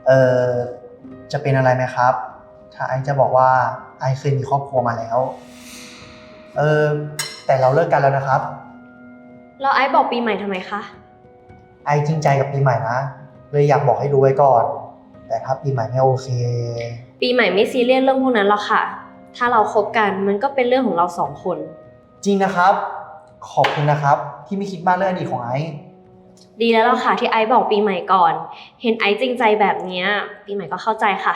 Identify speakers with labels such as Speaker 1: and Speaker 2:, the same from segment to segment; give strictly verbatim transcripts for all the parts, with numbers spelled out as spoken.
Speaker 1: เออจะเป็นอะไรไหมครับถ้าไอจะบอกว่าไอเคยมีครอบครัวมาแล้วเออแต่เราเลิกกันแล้วนะครับ
Speaker 2: แล้วไอซ์บอกปีใหม่ทำไมคะ
Speaker 1: ไอจริงใจกับปีใหม่นะเลยอยากบอกให้รู้ไว้ก่อนแต่ถ้าปีใหม่ไม่โอเค
Speaker 2: ปีใหม่ไม่ซีเรียสเรื่องพวกนั้นหรอกค่ะถ้าเราคบกันมันก็เป็นเรื่องของเราสองคน
Speaker 1: จริงนะครับขอบคุณนะครับที่ไม่คิดมากเรื่องอดีตของไอ
Speaker 2: ดีแล้วล่ะค่ะที่ไอซ์บอกปีใหม่ก่อนเห็นไอซ์จริงใจแบบนี้ปีใหม่ก็เข้าใจค่ะ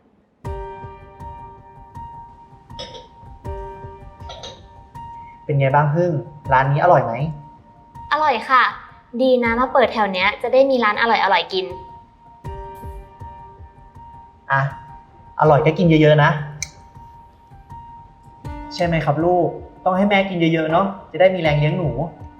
Speaker 1: เป็นไงบ้างพึ่งร้านนี้อร่อยไหม
Speaker 3: อร่อยค่ะดีนะมาเปิดแถวเนี้ยจะได้มีร้านอร่อยอร่อยกิน
Speaker 1: อ่ะอร่อยก็กินเยอะๆนะใช่ไหมครับลูกต้องให้แม่กินเยอะๆเนาะจะได้มีแรงเลี้ยงหนู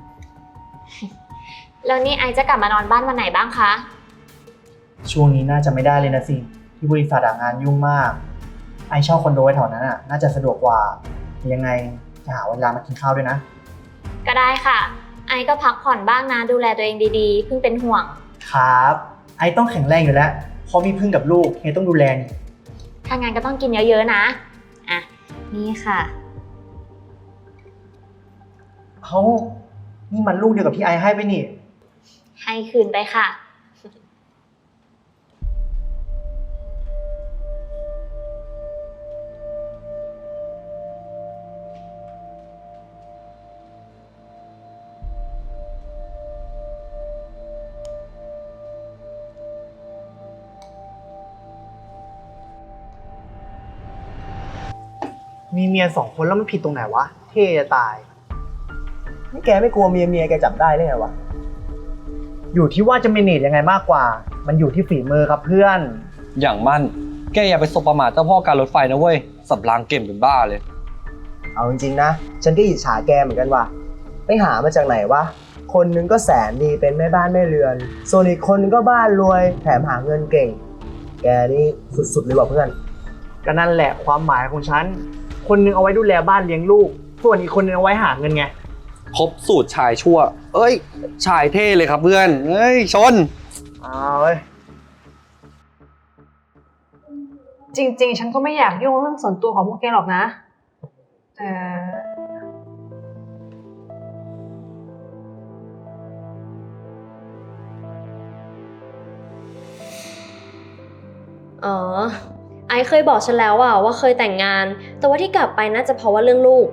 Speaker 3: แล้วนี่ไอจะกลับมานอนบ้านวันไหนบ้างคะ
Speaker 1: ช่วงนี้น่าจะไม่ได้เลยนะสิที่บริษัทงานยุ่งมากไอเช่าคอนโดไว้แถวนั้นอ่ะน่าจะสะดวกกว่ายังไงจะหาเวลามากินข้าวด้วยนะ
Speaker 3: ก็ได้ค่ะไอก็พักผ่อนบ้างนะดูแลตัวเองดีๆเพิ่งเป็นห่วง
Speaker 1: ครับไอต้องแข็งแรงอยู่แล้วเพราะมีพึ่งกับลูกเฮียต้องดูแลนี่
Speaker 3: ถ้างั้นก็ต้องกินเยอะๆนะอ่ะนี่ค่ะ
Speaker 1: เขานี่มันลูกเดียวกับที่ไอให้ไปนี่
Speaker 3: ให้คืนไปค่ะ
Speaker 1: มีเมียสองคนแล้วมันผิดตรงไหนวะเท่จะตายนี่แกไม่กลัวเมียเมียแกจับได้เลยไงวะอยู่ที่ว่าจะเมเนจยังไงมากกว่ามันอยู่ที่ฝีมือครับเพื่อน
Speaker 4: อย่างมั่นแกอย่าไปสบประมาทเจ้าพ่อการรถไฟนะเว้ยสับรางเก่งเป็นบ้าเลย
Speaker 5: เอาจริงๆนะฉันก็อิจฉาแกเหมือนกันว่ะไปหามาจากไหนวะคนนึงก็แสนดีเป็นแม่บ้านแม่เรือนส่วนอีกคนนึงก็บ้านรวยแถมหาเงินเก่งแกนี่สุดๆเลยว่ะเพื่อน
Speaker 1: ก็นั่นแหละความหมายของฉันคนนึงเอาไว้ดูแลบ้านเลี้ยงลูกส่วนอีกคนนึงเอาไว้หาเงินไง
Speaker 4: ครบสูตรชายชั่วเอ้ยชายเท่เลยครับเพื่อนเอ้ยชน
Speaker 1: อ้าวเว้ย
Speaker 6: จริงๆฉันก็ไม่อยากยุ่งเรื่องส่วนตัวของพวกแกหรอกนะแต่
Speaker 2: อ๋อไอซ์เคยบอกฉันแล้วอะว่าเคยแต่งงานแต่ว่าที่กลับไปน่าจะเพราะว่าเรื่องลูก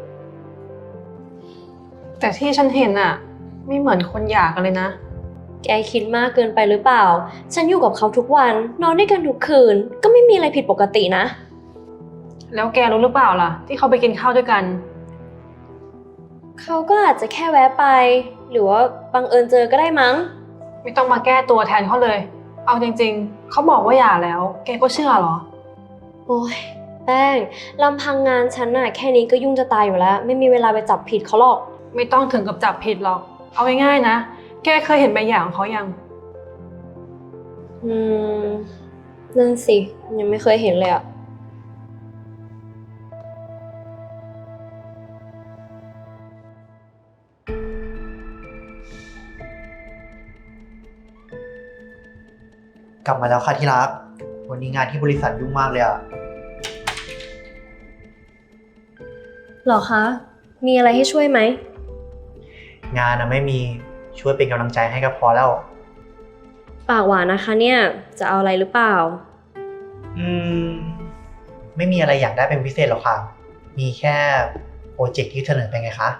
Speaker 6: แต่ที่ฉันเห็นอะไม่เหมือนคนหย่ากันเลยนะ
Speaker 2: แกคิดมากเกินไปหรือเปล่าฉันอยู่กับเขาทุกวันนอนด้วยกันทุกคืนก็ไม่มีอะไรผิดปกตินะ
Speaker 6: แล้วแกรู้หรือเปล่าล่ะที่เขาไปกินข้าวด้วยกัน
Speaker 2: เขาก็อาจจะแค่แวะไปหรือว่าบังเอิญเจอก็ได้มั้ง
Speaker 6: ไม่ต้องมาแก้ตัวแทนเขาเลยเอาจริงๆเขาบอกว่าหย่าแล้วแกก็เชื่อเหรอ
Speaker 2: โอ้ยแป้งลำพังงานฉันน่ะแค่นี้ก็ยุ่งจะตายอยู่แล้วไม่มีเวลาไปจับผิดเขาหรอก
Speaker 6: ไม่ต้องถึงกับจับผิดหรอกเอาง่ายๆนะแกเคยเห็นใบหย่าของเขายัง
Speaker 2: อืมนั่นสิยังไม่เคยเห็นเลยอะ
Speaker 1: กลับมาแล้วค่ะที่รักวันนี้งานที่บริษัทยุ่งมากเลยอะ
Speaker 2: หรอคะมีอะไรให้ช่วยไหม
Speaker 1: งานนะไม่มีช่วยเป็นกำลังใจให้ก็พอแล้ว
Speaker 2: ปากหวานนะคะเนี่ยจะเอาอะไรหรือเปล่า
Speaker 1: อืมไม่มีอะไรอยากได้เป็นพิเศษหรอกค่ะมีแค่โปรเจกต์ที่เสนอไปไงคะ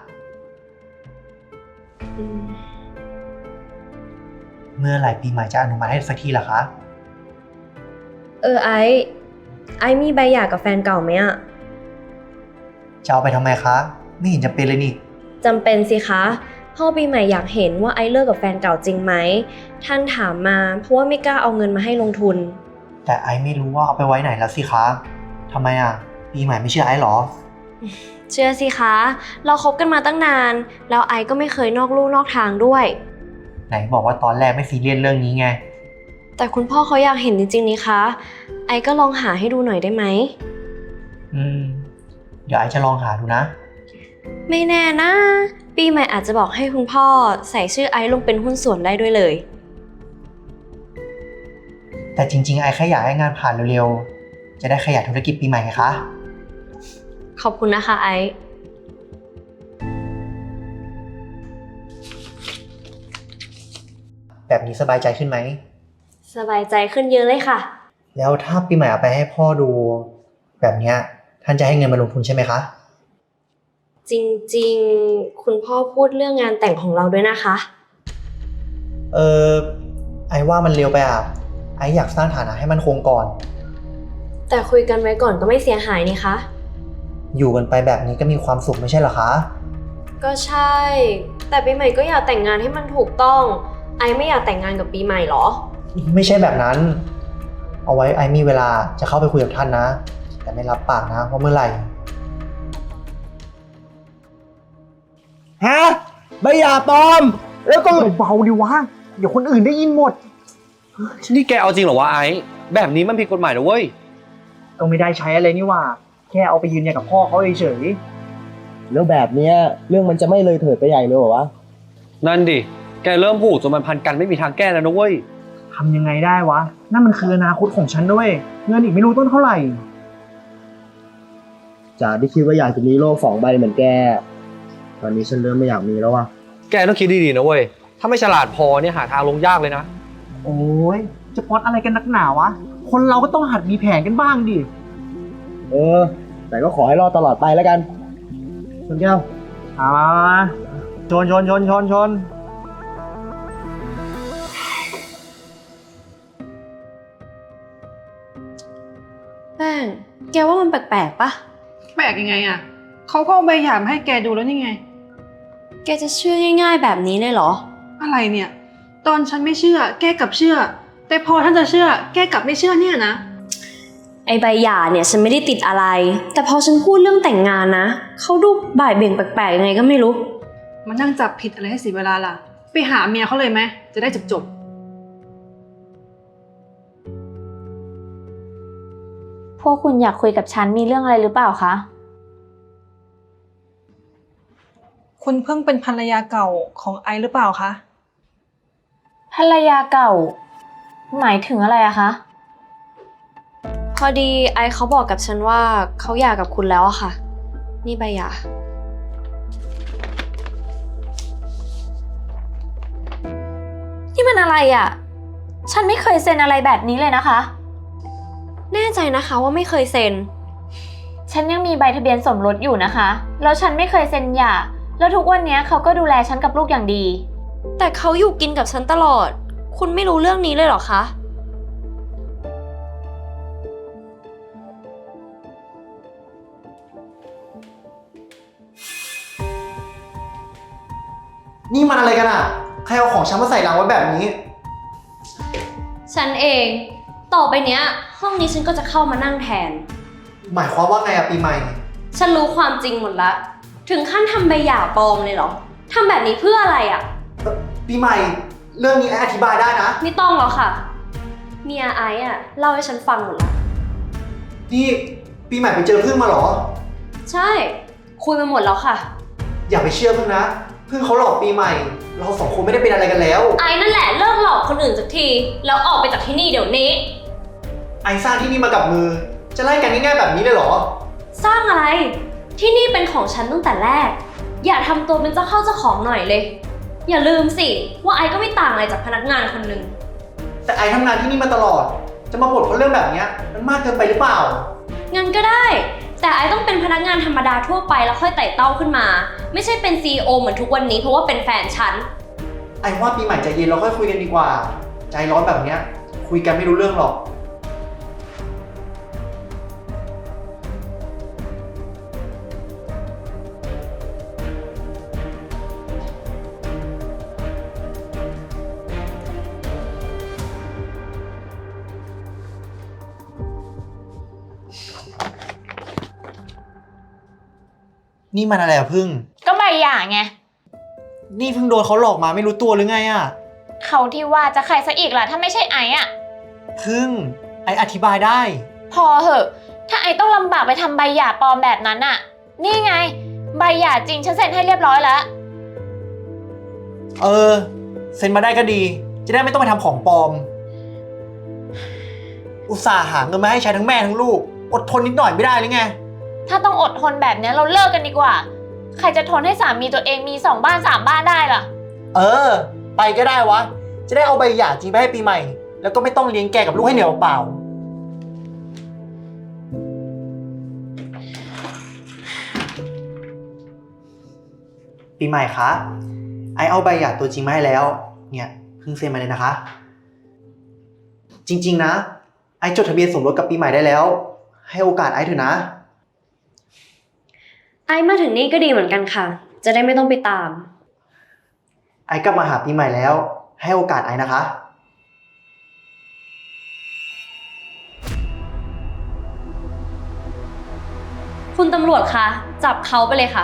Speaker 1: เมื่อไหร่ปีใหม่จะอนุมัติให้สักทีล่ะคะ
Speaker 2: เออไอไอมีใบหย่ากับแฟนเก่าไหมอะ
Speaker 1: จะเอาไปทำไมคะไม่เห็นจะเป็นเลยนี่
Speaker 2: จำเป็นสิคะพ่อปีใหม่อยากเห็นว่าไอเลิกกับแฟนเก่าจริงไหมท่านถามมาเพราะว่าไม่กล้าเอาเงินมาให้ลงทุน
Speaker 1: แต่ไอไม่รู้ว่าเอาไปไว้ไหนแล้วสิคะทำไมอ่ะปีใหม่ไม่เชื่อไอหรอ
Speaker 2: เชื่อสิคะเราคบกันมาตั้งนานแล้วไอก็ไม่เคยนอกลู่นอกทางด้วย
Speaker 1: ไหนบอกว่าตอนแรกไม่ซีเรียสเรื่องนี้ไง
Speaker 2: แต่คุณพ่อเขาอยากเห็นจริงๆนี่คะไอก็ลองหาให้ดูหน่อยได้ไหม
Speaker 1: อืมเดี๋ยวไอจะลองหาดูนะ
Speaker 2: ไม่แน่นะปีใหม่อาจจะบอกให้คุณพ่อใส่ชื่อไอซ์ลงเป็นหุ้นส่วนได้ด้วยเลย
Speaker 1: แแต่จริงๆไอแค่อยากให้งานผ่านเร็วๆจะได้ขยายธุรกิจปีใหม่ไงคะ
Speaker 2: ขอบคุณนะคะไอซ์
Speaker 1: แบบนี้สบายใจขึ้นไหม
Speaker 2: สบายใจขึ้นเยอะเลยค่ะ
Speaker 1: แล้วถ้าปีใหม่เอาไปให้พ่อดู แบบเนี้ยท่านจะให้เงินมาลงทุนใช่ไหมคะ
Speaker 2: จริงๆ คุณพ่อพูดเรื่องงานแต่งของเราด้วยนะคะ
Speaker 1: เออไอว่ามันเร็วไปอ่ะ ไออยากสร้างฐานะให้มันคงก่อน
Speaker 2: แต่คุยกันไว้ก่อนก็ไม่เสียหายนี่คะ
Speaker 1: อยู่กันไปแบบนี้ก็มีความสุขไม่ใช่เหรอคะ
Speaker 2: ก็ใช่ แต่ปีใหม่ก็อยากแต่งงานให้มันถูกต้อง ไอไม่อยากแต่งงานกับปีใหม่หรอ
Speaker 1: ไม่ใช่แบบนั้น เอาไว้ไอมีเวลาจะเข้าไปคุยกับท่านนะ แต่ไม่รับปากนะว่าเมื่อไหร่
Speaker 5: ฮะใบหย่าปลอม แล้วก็
Speaker 1: เบาๆดิวะ เดี๋ยวคนอื่นได้ยินหมด
Speaker 4: นี่แกเอาจริงเหรอวะไอ้แบบนี้มันผิดกฎหมายนะเว้ย
Speaker 1: ก็ไม่ได้ใช้อะไรนี่หว่า แค่เอาไปยืนยันกับพ่อเขาเฉย
Speaker 5: แล้วแบบเนี้ยเรื่องมันจะไม่เลยเถิดไปใหญ่เลยเหรอวะ
Speaker 4: นั่นดิ แกเริ่มผูกจนมันพันกันไม่มีทางแก้แล้วนะเว้ย
Speaker 1: ๆทำยังไงได้วะ นั่นมันคืออนาคตของฉันด้วย เงินอีกไม่รู้ต้นเท่าไหร่
Speaker 5: จากที่คิดว่าอยากจะมีโลกสองใบเหมือนแก ตอนนี้ฉันเริ่มไม่อยากมีแล้วว่ะ
Speaker 4: แกต้องคิดดีๆนะเว้ย ถ้าไม่ฉลาดพอเนี่ยหาทางลงยากเลยนะ
Speaker 1: โอ้ยจะป๊อตอะไรกันนักหนาวะ คนเราก็ต้องหัดมีแผนกันบ้างดิ
Speaker 5: เออ แต่ก็ขอให้รอดตลอดไปแล้วกันคุณแก้ว
Speaker 1: อ่าชนชนชนชนชน
Speaker 2: แป้ง แกว่ามันแปลกๆปะ
Speaker 6: แปลกยังไงอะเขาก็เอาใบหย่ามาให้แกดูแล้วนี่ไง
Speaker 2: แกจะเชื่อง่ายๆแบบนี้เลยเหรอ
Speaker 6: อะไรเนี่ย ตอนฉันไม่เชื่อ แกกลับเชื่อ แต่พอท่านจะเชื่อ แกกลับไม่เชื่อเนี่ยนะ
Speaker 2: ไอใบหย่าเนี่ยฉันไม่ได้ติดอะไร แต่พอฉันพูดเรื่องแต่งงานนะ เขาดูบ่ายเบี่ยงแปลกๆยังไงก็ไม่รู้
Speaker 6: มันนั่งจับผิดอะไรให้เสียเวลาล่ะ ไปหาเมียเขาเลยไหม จะได้จบจบ
Speaker 3: พวกคุณอยากคุยกับฉันมีเรื่องอะไรหรือเปล่าคะ
Speaker 6: ๆคุณเพิ่งเป็นภรรยาเก่าของไอซ์หรือเปล่าคะ
Speaker 3: ภรรยาเก่า หมายถึงอะไรอะคะ
Speaker 2: พอดีไอเขาบอกกับฉันว่าเขาหย่ากับคุณแล้วอะค่ะ นี่ใบหย่า
Speaker 3: นี่มันอะไรอะฉันไม่เคยเซ็นอะไรแบบนี้เลยนะคะ
Speaker 2: แน่ใจนะคะว่าไม่เคยเซ็น
Speaker 3: ฉันยังมีใบทะเบียนสมรสอยู่นะคะ แล้วฉันไม่เคยเซ็นหย่า แล้วทุกวันนี้เขาก็ดูแลฉันกับลูกอย่างดี
Speaker 2: แต่เขาอยู่กินกับฉันตลอด คุณไม่รู้เรื่องนี้เลยเหรอคะ
Speaker 1: นี่มันอะไรกันอ่ะ ใครเอาของฉันมาใส่รังไว้แบบนี้
Speaker 2: ฉันเอง ต่อไปเนี้ย ห้องนี้ฉันก็จะเข้ามานั่งแทน
Speaker 1: หมายความว่าไงอะปีใหม่
Speaker 2: ฉันรู้ความจริงหมดละ ถึงขั้นทำใบหย่าปลอมเลยเหรอ ทำแบบนี้เพื่ออะไรอะ
Speaker 1: ปีใหม่ เรื่องนี้ไออธิบายได้นะ
Speaker 2: ไม่ต้องหรอกค่ะ เมียไอซ์อะเล่าให้ฉันฟังหมดละ
Speaker 1: นี่ปีใหม่ไปเจอพึ่งมาเหรอ
Speaker 2: ใช่ คุยมาหมดแล้วค่ะ
Speaker 1: อย่าไปเชื่อพึ่งนะ พึ่งเขาหลอกปีใหม่ เราสองคนไม่ได้เป็นอะไรกันแล้ว
Speaker 2: ไอซ์นั่นแหละเลิกหลอกคนอื่นสักที แล้วออกไปจากที่นี่เดี๋ยวนี้
Speaker 1: ไอสร้างที่นี่มากับมือ จะไล่กันง่ายๆแบบนี้เลยเหรอ
Speaker 2: สร้างอะไร ที่นี่เป็นของฉันตั้งแต่แรก อย่าทำตัวเป็นเจ้าเข้าเจ้าของหน่อยเลย อย่าลืมสิว่าไอซ์ก็ไม่ต่างอะไรจากพนักงานคนหนึ่ง
Speaker 1: แต่ไอทำงานที่นี่มาตลอด จะมาบ่นเพราะเรื่องแบบเนี้ยมันมากเกินไปหรือเปล่า
Speaker 2: งั้นก็ได้ แต่ไอซ์ต้องเป็นพนักงานธรรมดาทั่วไปแล้วค่อยไต่เต้าขึ้นมา ไม่ใช่เป็น ซี อี โอ เหมือนทุกวันนี้เพราะว่าเป็นแฟนฉัน
Speaker 1: ไอว่าปีใหม่ใจเย็นเราค่อยคุยกันดีกว่า ใจร้อนแบบเนี้ยคุยกันไม่รู้เรื่องหรอก นี่มันอะไรอะพึ่ง
Speaker 3: ก็ใบหย่าไง
Speaker 1: นี่เพิ่งโดนเขาหลอกมาไม่รู้ตัวหรือไงอะ
Speaker 3: เขาที่ว่าจะใครซะอีกล่ะถ้าไม่ใช่ไอซ์อะ
Speaker 1: พึ่งไออธิบายได้
Speaker 3: พอเหอะ ถ้าไอซ์ต้องลำบากไปทำใบหย่าปลอมแบบนั้นอะนี่ไง ใบหย่าจริงฉันเซ็นให้เรียบร้อยแล้ว
Speaker 1: เออ เซ็นมาได้ก็ดี จะได้ไม่ต้องไปทำของปลอมอุตส่าห์หาเงินมาให้ใช้ทั้งแม่ทั้งลูก อดทนนิดหน่อยไม่ได้หรือไง
Speaker 3: ถ้าต้องอดทนแบบเนี้ยเราเลิกกันดีกว่า ใครจะทนให้สามีตัวเองมีสองบ้านสามบ้านได้ล่ะ
Speaker 1: เออ ไปก็ได้วะ จะได้เอาใบหย่าจริงไปให้ปีใหม่ แล้วก็ไม่ต้องเลี้ยงแกกับลูกให้เหนียวเปล่า ปีใหม่คะ ไอเอาใบหย่าตัวจริงมาให้แล้ว เนี่ยเพิ่งเซ็นมาเลยนะคะ จริงๆนะ ไอจดทะเบียนสมรสกับปีใหม่ได้แล้ว ให้โอกาสไอเถอะนะ
Speaker 2: ไอมาถึงนี่ก็ดีเหมือนกันค่ะ จะได้ไม่ต้องไปตาม
Speaker 1: ไอกลับมาหาปีใหม่แล้ว ให้โอกาสไอนะคะ
Speaker 2: คุณตำรวจคะ จับเขาไปเลยค่ะ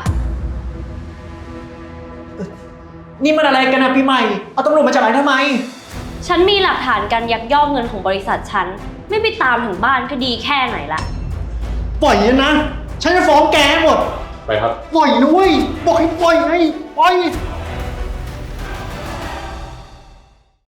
Speaker 1: นี่มันอะไรกันนะปีใหม่ เอาตำรวจมาจับไอทำไม
Speaker 2: ฉันมีหลักฐานการยักยอกเงินของบริษัทฉัน ไม่ไปตามถึงบ้านก็ดีแค่ไหนละ
Speaker 1: ปล่อยนะ ฉันจะฟ้องแกให้หมด
Speaker 7: ไปครับ
Speaker 1: ปล่อยนะเว้ย บอกให้ปล่อยไงปล่อย